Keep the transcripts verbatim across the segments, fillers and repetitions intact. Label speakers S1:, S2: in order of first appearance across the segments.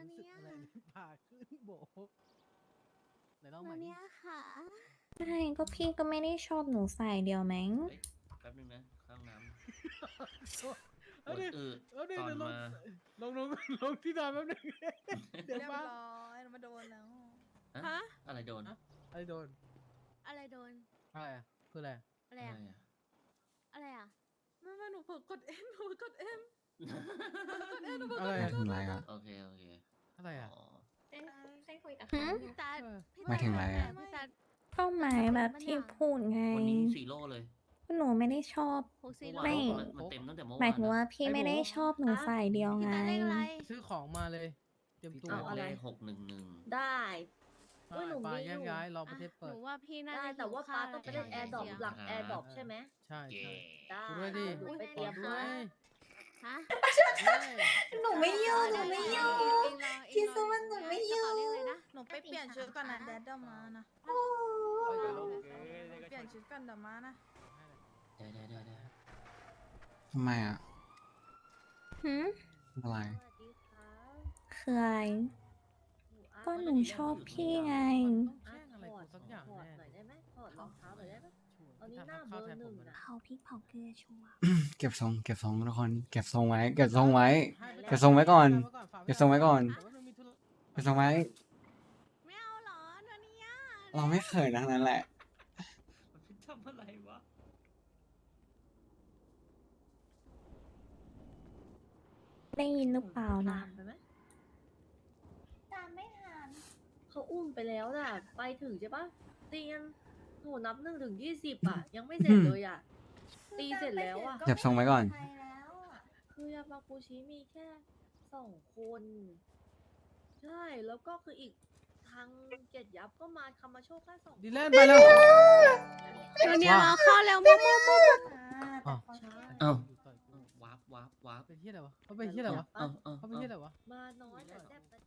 S1: รู้สึกอะไรผ่าขึ้นโบไหนลองใหม่ดิ
S2: เนี่ยค่ะ
S3: ใช่ก็พี่ก็ไม่ได้ชอบหนูใส่เดียวมั้ง
S4: เฮ้ยแป๊บนึงนะเข้าห้องน้ำป
S1: เอา
S4: วด
S1: ดิ
S4: อืด
S1: เอาดิ
S4: ตอน
S1: เดี๋ยวลง
S4: มา
S1: ลงลงลงที่นอนแป๊บนึงเดี๋ยว
S5: เรียบ
S1: มา
S5: ร้อยเรามาโดนแล้ว
S4: ฮะอะไรโดน
S1: อะไรโดน
S2: อะไรโดน
S1: อะไรอะคืออะไร
S2: อะไร
S4: อะไร
S2: อะ
S4: อะ
S2: อะไรอะ
S5: ไม่ไม่หนูเผลอกดเอ็มหนูกดเอ็ม
S1: อะไร
S6: ไม่
S1: อะ
S6: ถึงไรอ่ะ
S4: โอเคโอเค
S1: อะไรอะ
S4: อ๋อ
S3: เส้นคุยกับ
S2: หืม
S3: เขา
S2: พี่ตา
S1: เออ
S2: พี่
S6: หมายถึงอะไรอะ
S2: พี่ตา
S3: ก็หมายแบบที่พูดไง
S4: วันนี้สี่โลเลย
S3: หนูไม่ได้ชอบ
S2: หกสี่
S4: เมื่อ
S2: โล
S4: วาน
S3: ไม่
S4: มันมันเต็มตั้งแต่เมื่อ
S3: หมา
S4: วาย น
S3: ถึงว่า
S4: นะ
S3: พี่ไม่ได้ชอบหนูใส่เดียว
S2: พี่
S3: ไง
S2: ตาเลขอะไร
S1: ซื้อของมาเลย เตรียม
S4: พี่
S1: ตัว
S4: ตา
S7: เอาอะไร
S4: เลขหกหนึ่งหนึ่ง
S7: ได้
S1: ไป
S7: เอ้ยหนู
S1: ไป
S7: มี
S1: แยก
S7: อยู่
S1: ย้ายรอป
S2: อ่ะ
S1: ระเทศ
S2: ห
S1: เปิด
S2: นูว่าพี่น่า
S7: ได้
S2: จะ
S7: แต่ว่า
S2: หิ
S7: ป้า
S2: ข้
S7: ต้องไปเล่นแอร์ดรอปหลังแอร์ดรอปใช่ไหม
S1: ใช่
S4: เย่
S1: ใช่
S7: ได้
S1: กูด้วยดิ
S7: หนูไปเตรียม
S1: ด้ว
S7: ให้
S1: ย
S2: ฮะ
S3: หนูไม่ยุ่งหนูไม่ยุ่ง
S2: เองรอเองรอ
S3: คิดซะว่าหนูไม่ยุ่ง
S2: กระเป๋าเลขอะไรนะ
S5: หนูไปเปลี่ยนชุดก่อนนะแดดเดอร์มานะ
S1: โอ้ยเดี๋ยวลง
S5: เปลี่ยนชุดก่อนเดี๋ยวมานะ
S4: ได้ได้ได้ได้
S6: ทำไมอ่ะ
S3: หืม
S6: อะไร
S7: สวัสดีครับ
S3: คืออะไร
S7: หนูอ่ะ
S3: ก็หนูชอบพี่ไง
S1: ต้องแช่งอะไรกูสักอย่าง
S7: ถอด
S1: แน่
S7: หน่อยได้ไหมถอดรองเท้าหน่อยได้ไหม
S1: ชัวร์
S7: เอานี่
S1: ที่
S7: หน้า
S1: ทำข้าว
S7: เบอร์
S1: แทนผม
S7: หนึ่ง
S1: เลย
S7: นะ
S3: เผาพริกเผาเกลือชัวร์
S6: เก็บทรงเก็บทรงทุกคน เก็บทรงไว้ เก็บทรงไว้
S1: ให้ไป
S6: เก็บทรงไว้ก่อน
S1: ฝา
S6: เก็บทรงไว้ก่อน
S1: แต่ว่ามันมีธุระ
S6: เก็บทรงไว้
S2: ไม่เอาเหรอเดี๋ยวนี้อะ
S6: เราไม่เคยนะนั่นแหละ
S4: มันทำอะไรวะ
S3: ได้ยินหรือเปล่านะ
S7: ตมไปไหม
S3: ตามไม่ทัน
S7: เขาอุ้มไปแล้วน่ะ ไปถึงใช่ปะเตียนหนูนับหนึ่งถึงยี่สิบอ่ะ ยังไม่เสร็จเลยอ่ะ ตีเสร็จแล้วอ่ะ
S6: เก็บทรงไว้ก่อน
S7: คือยามากูชิมีแค่สองคน ใช่ แล้วก็คืออีกทางเจ็ดยับก็มาคามาโชคแค่สอง
S1: ดีแลนด์ไปแล้ว
S2: เดี๋ยวนี้เราเข้าแล้วมุกมุกมุก
S1: อ้าว
S7: ใช่
S4: เอ้าว้าร์ปว้าร์ปว้าร์ป
S1: เป็นที่อะไรวะเขาเป็นที่อะไรวะ
S4: เอ้าเอ้า
S1: เขาเป็นที่อะไรวะ
S7: มาน้อยแต่แซ่บแต่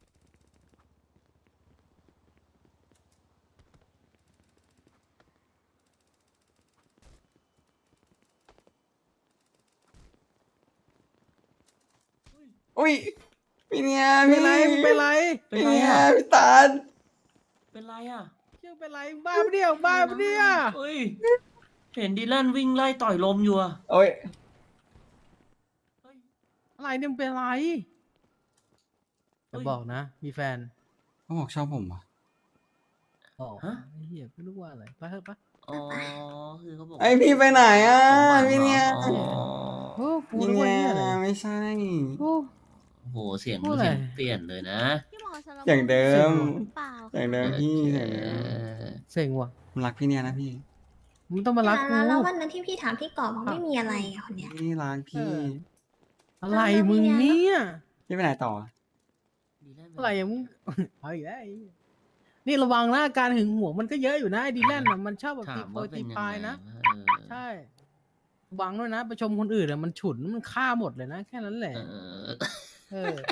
S6: อุ้ยพี่เนี่ย
S1: เป็
S6: พี่
S1: นไรมึงเป็นไร
S4: เป็น
S6: พี่
S4: ไร
S6: เนี่ย
S4: อ่ะ
S6: พี่ตาล
S4: เป็นไรอ่ะ
S1: เชื่อเป็นไรบ้าปะเนี่ยบ้าปะเนี่ย
S4: เฮ้ยเห็นดีแลนวิ่งไล่ต่อยลมอยู่อ่ะ
S6: โอ้ย
S4: เฮ้ย
S1: อะไรเนี่ยมึงเป็นไรจะบอกนะ มีแฟน
S6: เขาบอกชอบผมว่ะ
S1: อ๋อ
S4: ฮะ
S1: ไอ้เหี้ยไม่รู้ว่าอะไรไปเถอะปะ
S4: อ๋อคือเขาบอก
S6: ไอพี่ไปไหนอ่ะ
S4: สมหวัง
S6: พี่เนี่ย
S4: หรออ๋อ
S1: โอ้กู
S6: พี่
S1: รู้ว่า
S6: เนี่
S1: เหี้ย
S6: ย
S1: อะไร
S6: ไม่ใช่
S1: โอ้
S4: โอ้โหเสียง
S1: พูดอะไร
S4: เสียงเปลี่ยนเลยนะ
S2: พี่หมอสาร
S6: อย่างเดิม
S2: หรือเปล่า
S6: อย่างเดิมพี่
S4: เอ
S6: อย่างเดิม
S4: อ
S1: เซ็งว่ะ
S6: ผมรักพี่เนี่ยนะพี่
S1: มึงต้องมารักกู
S3: แล้ววันนั้นที่พี่ถามพี่กอบบอกไม่มีอะไรอ่ะคนเนี้ย
S6: พี่รักพี่
S1: เออ อะไรมึงเนี่ย
S6: พี่ไปไหนต่อ
S4: ดีแลนด์
S1: อะไรอะมึง เอาอีกแล้วไอ้เหี้ยนี่ระวังนะการหึงหวงมันก็เยอะอยู่นะไอ้ดีแลนด์น่ะมันชอบแบบ
S4: ถา
S1: ตี
S4: ม
S1: โพ
S4: ว่าย เป็
S1: ตี
S4: นยัง
S1: ปลาย
S4: ไง
S1: นะ
S4: เออ
S1: ใช่ระวังด้วยนะไปชมคนอื่นอะมันฉุนมันฆ่าหมดเลยนะ แค่นั้นแหละ
S4: เออ
S1: เออ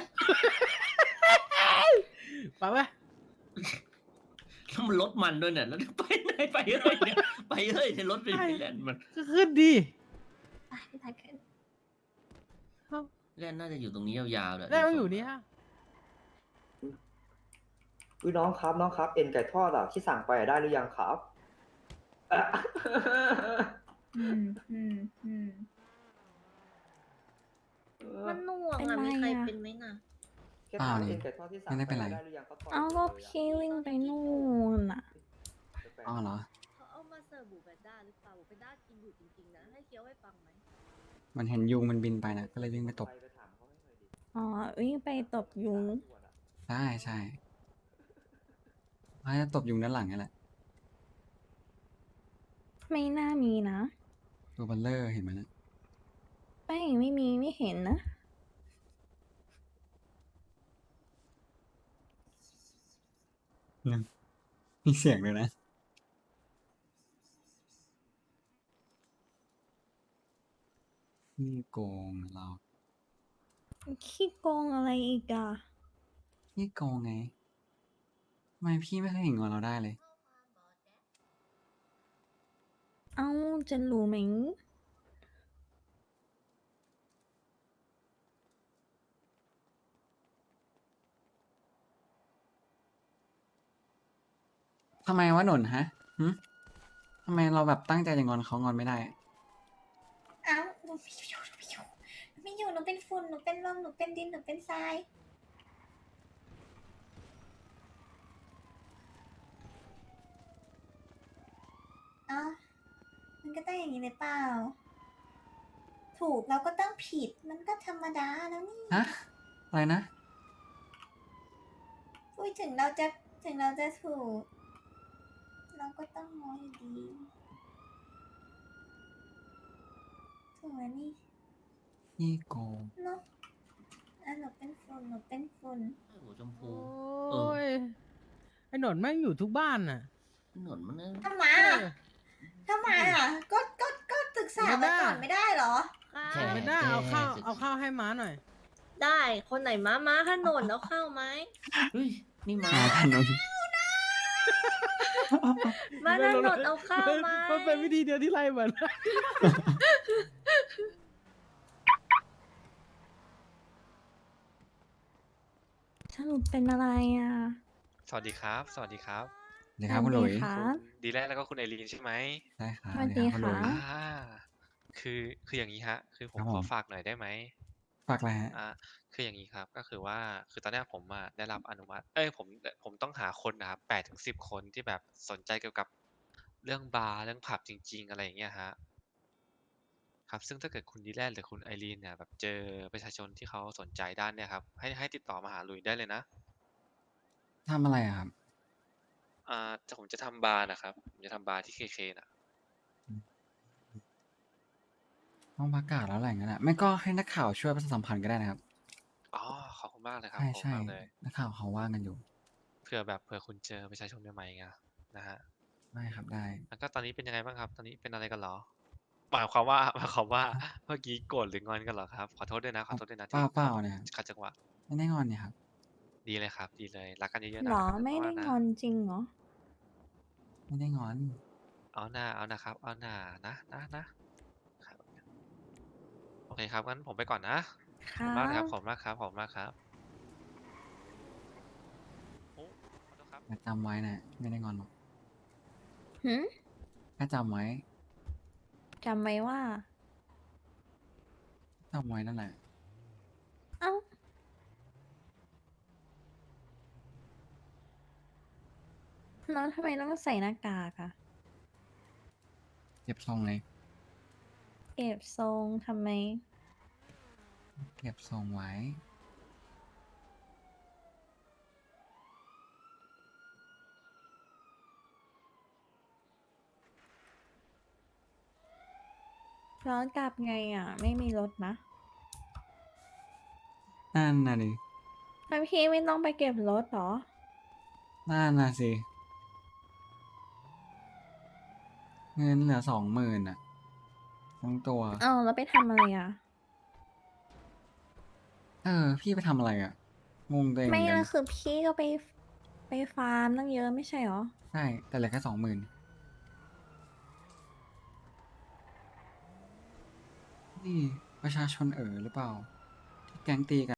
S1: ไปไหม
S4: แล้วมันรถมันด้วยเนี่ยแล้วไปไหนไปเอ้ยเนี่ยไปเอ้ยในรถเป็นดีแลนด์มัน
S1: ก็ขึ้นดี
S3: ไปพี่ตาขึ้น
S4: แลนด์น่าจะอยู่ตรงนี้ยาวๆเลย
S1: ได้มาอยู่นี่ฮะ
S8: อุ้ยน้องครับน้องครับ เอ็นไก่ทอดอ่ะที่สั่งไปอะได้หรือยังครับอ่ะ
S7: อืมอืมอืม มันหน่วง
S3: เป็น
S7: อ่ะ
S3: ไร
S7: มีใคร
S3: อะ
S7: เป็นไหมน่ะ
S8: แค่
S6: เปล่า
S8: ถาม
S6: นี่
S8: เอ็นไก่ทอดที่สั่ง
S6: ไม่ได้เป็นไร
S8: ได้หรือยังครับ
S3: เอาก็พี่วิ่งไปนู่นอ่ะ
S6: อ๋อเหรอ
S7: เขาเอามาเสิร์ฟบูเบนด้าหรือเปล่าบูเบนด้ากินอยู่จริงๆนะ ให้เคี้ยวให้ฟังไหม
S6: มันเห็นยุงมันบินไปนะ ก็เลยวิ่งไปตบ
S8: ไปถามเขาให้หน่อยดิ
S3: อ๋อวิ่งไปตบยุง
S6: ได้ใช่เขาจะตบยุงด้านหลังนี่แหละ
S3: ไม่น่ามีนะ
S6: ตัวบัลเลอร์เห็นไหมนะ
S3: แป้งไม่มีไม่เห็นนะ
S6: เนี่ยมีเสียงเลยนะ นี่โกงเรา
S3: ขี้โกงอะไรอีกอ่ะ
S6: นี่โกงไงทำไมพี่ไม่เคยเห็นงอนเราได้เลย
S3: เอ้าจะรู้ไหม
S6: ทำไมวะหนนฮะหึทำไมเราแบบตั้งใจจะงอนเขางอนไม่ได้
S3: เอ้าหนูไม่อยู่หนูไม่อยู่หนูไม่อยู่หนูเป็นฝุ่นหนูเป็นลมหนูเป็นดินหนูเป็นทรายเอ้ามันก็ต้องอย่างนี้เลยเปล่า ถูกเราก็ต้องผิดมันก็ธรรมดาแล้วนี่
S6: ฮะ อะไรนะ
S3: พูดถึงเราจะถึงเราจะถูก เราก็ต้องมองอยู่ดีถูกไหมนี่
S6: พี่โกง
S3: เนาะอ่ะหนูเป็นฝุ่นหนูเป็นฝุ่น
S4: หัวชมพู
S1: โอ้ยไอ้หนอนแม่งอยู่ทุกบ้านน่ะ
S4: หนวดมันนะ
S3: ทำไม
S1: เอ
S3: อ่ะ
S1: อ
S3: ทำไมอ่ะ ก็ ก็ ก็ศึกษา
S1: ไม่
S3: มา
S1: ได้
S3: ก่อนไม่ได้เหรอ
S7: ค่ะ
S1: ไม่ได้เอาข้าวเอาข้าวให้ม้าหน่อย
S7: ได้คนไหนม้าม้าขนนเอาเข้าไหม
S4: เฮ้ยนี่มา
S6: มาถนน
S7: มาถนนเอาเข้าไหม
S1: มันเป็นวิธีเดียวที่ไล่เหมือน
S2: สรุปเป็นอะไรอ่ะ
S9: สวัสดีครับ สวัสดีครับ
S6: เดี๋ยวครับคุณหลุย
S2: สวัสดีค่ะ ครับ
S9: ณดีแลนแล้วก็คุณไอรีนใช่ไหม
S6: ได้ครับ
S2: สวัสดี
S6: เยวรับณหลุย
S2: ค่ะ
S9: อ่า คือคืออย่างนี้ฮะ คือผม
S6: ครับ
S9: ข
S6: ผ
S9: อ
S6: ม
S9: ฝากหน่อยได้ไหม
S6: ฝากอะไรฮะ
S9: อ่า คืออย่างนี้ครับ ก็คือว่า คือตอนเนี้ยผมอะได้รับอนุมัติ เอ้ย ผม ผมต้องหาคนนะครับแปดถึงสิบคนที่แบบสนใจเกี่ยวกับเรื่องบาร์ เรื่องผับจริง ๆ อะไรอย่างเงี้ยฮะ ครับ ซึ่งถ้าเกิดคุณดีแลนหรือคุณไอรีนเนี่ยแบบเจอประชาชนที่เขาสนใจด้านเนี้ยครับ ให้ให้ติดต่อมาหาหลุยได้เลยนะ
S6: ทำอะไรอะครับ
S9: อ่าจะผมจะทำบาร์นะครับ ผมจะทำบาร์ที่เคเคน่ะ
S6: ต้องประกาศแล้วแหละงั้นอ่ะ ไม่ก็ให้นักข่าวช่วยประชาสัมพันธ์ก็ได้นะครับ
S9: อ๋อ ขอบคุณมากเลยครับ
S6: ใช่
S9: ขอบคุณ
S6: ใช่
S9: มากเลย
S6: นักข่าวเขาว่างกันอยู่
S9: เผื่อแบบเผื่อคุณเจอประชาชนใหม่ๆไงนะฮะ
S6: ได้ครับได้
S9: แล้วก็ตอนนี้เป็นยังไงบ้างครับ ตอนนี้เป็นอะไรกันเหรอ หมายความว่า หมายความว่า เมื่อกี้โกรธหรืองอนกันเหรอครับ ขอโทษด้วยนะ ขอโทษด้วยนะ
S6: เปล่า
S9: ที่
S6: เปล่าเนี่ย
S9: ขัดจังหวะ
S6: ไม่ได้งอนเนี่ยครับ
S9: ดีเลยครับ ดีเลย รักกันเยอะๆนะ
S2: หรอ
S9: รักกัน
S2: ไม่ได้
S9: มากๆนะ
S2: งอนจริงเหรอ
S6: ไม่ได้งอน
S9: เอาหน้า เอานะครับ เอาหน้านะนะนะครับโอเคครับ งั้นผมไปก่อนนะ
S2: ค
S9: ขอบ
S2: รั
S9: คุณมากนะครับ
S2: บ
S9: ขอบคุณมากครับ ขอบคุณมากครับโอ้ขอโทษครับ
S6: จำไว้นะ ไม่ได้งอนหรอก
S2: หืม
S6: แค่จำไว้
S2: จำไว้ว่า
S6: จำไว้นั่นแหละ
S2: เอ้า แล้วทำไมต้องใส่หน้ากากอะ
S6: เก็บทรงเลย
S2: เก็บทรงทำไม
S6: เก็บทรงไว้
S2: ย้อนกลับไงอ่ะ ไม่มีรถนะ
S6: นั่นน่ะดิ
S2: แล้วพี่ไม่ต้องไปเก็บรถเหรอ
S6: นั่นน่ะสิ เงินเหลือสองหมื่นอ่ะทั้งตัว
S2: เอ้าแล้วไปทำอะไรอ่ะ
S6: เออ พี่ไปทำอะไรอ่ะ งงตัวเองเห
S2: ไม่
S6: มือนกั
S2: ละ
S6: น
S2: คือพี่ก็ไปไปฟาร์มตั้งเยอะไม่ใช่เหรอ
S6: ใช่ แต่เหลือแค่สองหมื่นนี่ประชาชนเอ๋อหรือเปล่า ที่แก๊งตีกัน